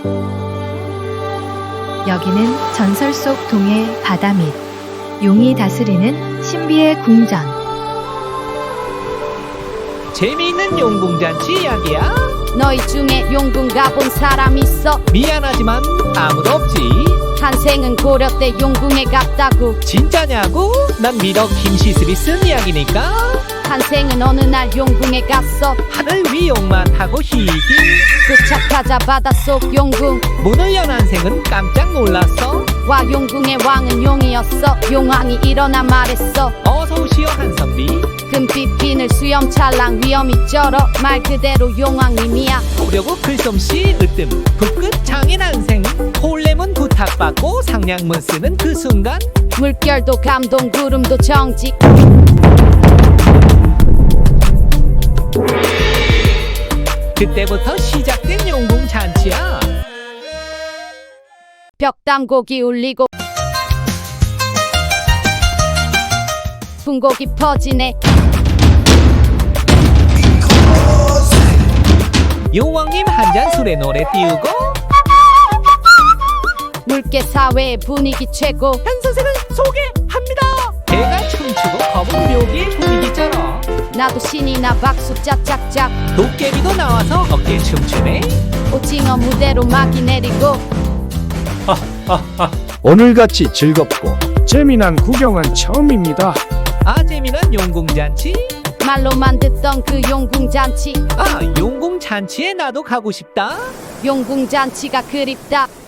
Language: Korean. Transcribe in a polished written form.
여기는 전설 속 동해 바다 및 용이 다스리는 신비의 궁전. 재미있는 용궁잔치 이야기야? 너희 중에 용궁 가본 사람 있어? 미안하지만 아무도 없지. 한생은 고려 때 용궁에 갔다고. 진짜냐고? 난 미덕 김시슬이 쓴 이야기니까. 한생은 어느 날 용궁에 갔어. 하늘 위 용만 타고 희기. 도착하자 바닷속 용궁. 문을 연 한생은 깜짝 놀랐어. 와 용궁의 왕은 용이었어. 용왕이 일어나 말했어. 어서 오시오 한선비. 금빛 비늘 수염 찰랑 위험이 쩔어. 말 그대로 용왕님이야. 보려고 글솜씨 으뜸 붓끝 장인 한생. 홀레문 부탁받고 상냥문 쓰는 그 순간 물결도 감동 구름도 정직. 그때부터 시작된 용궁 잔치야. 벽담곡이 울리고 분곡이 퍼지네. 용왕님 한 잔 술에 노래 띄우고 물개 사회의 분위기 최고. 한 선생은 소개합니다. 개가 춤추고 검은 묘기의 분위기처럼 나도 신이 나 박수 짝짝짝. 도깨비도 나와서 어깨 춤추네. 오징어 무대로 막이 내리고. 오늘같이 즐겁고 재미난 구경은 처음입니다. 아 재미난 용궁 잔치. 말로만 듣던 그 용궁 잔치. 아 용궁 잔치에 나도 가고 싶다. 용궁 잔치가 그립다.